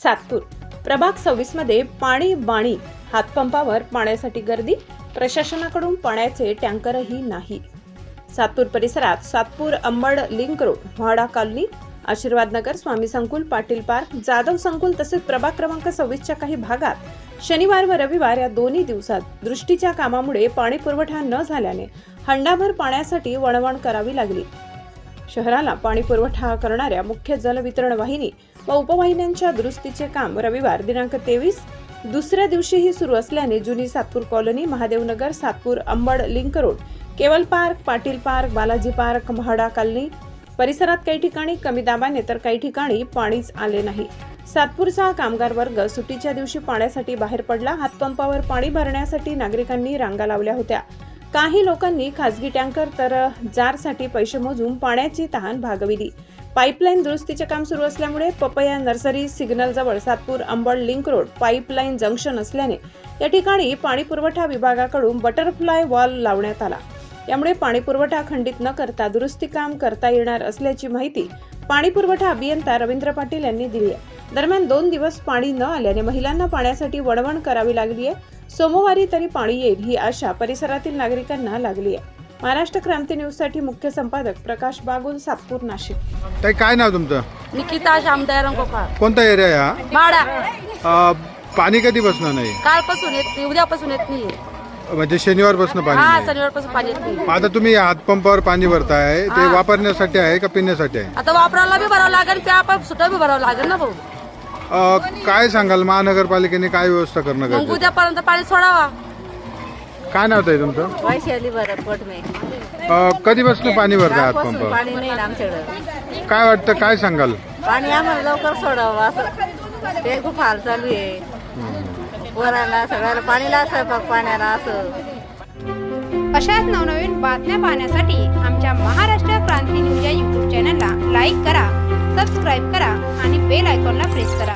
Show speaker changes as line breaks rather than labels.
सातपूर प्रभाग 26 मध्ये पाणी बाणी हातपंपावर पाण्यासाठी गर्दी, प्रशासनाकडून पाण्याचे टँकरही नाही। सातपूर परिसरात Satpur Ambad link road, MHADA colony, Ashirwad Nagar, स्वामी संकुल, पाटील पार्क, जाधव संकुल तसेच प्रभाग क्रमांक 26च्या काही भागात शनिवार व रविवार या दोन्ही दिवसात दृष्टीच्या कामामुळे पाणी पुरवठा न झाल्याने हंडाभर पाण्यासाठी वणवण करावी लागली। शहराला पाणी पुरवठा करणाऱ्या मुख्य जलवितरण वाहिनी व उपवाहिन्यांच्या दुरुस्तीचे काम रविवार दिनांक 23 दुसऱ्या दिवशीही सुरू असल्याने जुनी Satpur colony, Mahadev Nagar, Satpur Ambad link road, Keval park, Patil park, Balaji park, MHADA colony परिसरात काही ठिकाणी कमी दाबाने तर काही ठिकाणी पाणीच आले नाही। सातपूरचा कामगार वर्ग सुट्टीच्या दिवशी पाण्यासाठी बाहेर पडला। हातपंपावर पाणी भरण्यासाठी नागरिकांनी रांगा लावल्या होत्या। काही लोकांनी खासगी टँकर तर जारसाठी पैसे मोजून पाण्याची तहान भागविली। पाईपलाईन दुरुस्तीचे काम सुरू असल्यामुळे पपया नर्सरी सिग्नल जवळ Satpur Ambad link road pipeline junction असल्याने या ठिकाणी पाणी पुरवठा विभागाकडून बटरफ्लाय वॉल लावण्यात आला। यामुळे पाणी पुरवठा खंडित न करता दुरुस्ती काम करता येणार असल्याची माहिती पाणी पुरवठा अभियंता रवींद्र पाटील यांनी दिली आहे। दरम्यान 2 दिवस पाणी न आल्याने महिलांना पाण्यासाठी वणवण करावी लागली आहे। सोमवारी तरी पाणी येईल ही आशा परिसरातील नागरिकांना लागली आहे। महाराष्ट्र क्रांती न्यूज साठी मुख्य संपादक प्रकाश बागुल, सातपूर, नाशिक।
ताई, काय नाव तुमचं?
निकिता श्यामदयाराम कोकाळ।
कोणता एरिया आहे हा?
माडा।
पाणी कधी बसणार नाही?
कालपासून येत नाही, उद्यापासून येत नाही।
म्हणजे शनिवारपासून पाणी
हा,
नाही?
शनिवारपासून पाणी येत नाही।
आता तुम्ही हातपंपावर पाणी भरताय, ते वापरण्यासाठी आहे का पिण्यासाठी आहे?
आता वापरायला बी भरावं लागेल, प्या सुद्धा बी भरावं लागेल ना भाऊ।
काय सांगाल, महानगरपालिकेने काय व्यवस्था करणं
मग
गरजेचं?
उद्यापर्यंत पाणी सोडावा।
काय नाव ताई तुमचं?
वैशाली भरत मे
कधीपासून पाणी भरताय हातपंपावर?
पाणी नाही आमच्याकडे।
काय वाटतं, काय सांगाल?
पाणी आम्हाला लवकर सोडावं असं ते खूप हाल चालू आहे। वराला सगळ्याला पाणीला स्वयंपाक पाण्याला असं।
अशाच नवनवीन बातम्या पाहण्यासाठी आमच्या महाराष्ट्र क्रांती न्यूज या YouTube चॅनलला लाईक करा, सबस्क्राईब करा आणि बेल आयकॉनला प्रेस करा।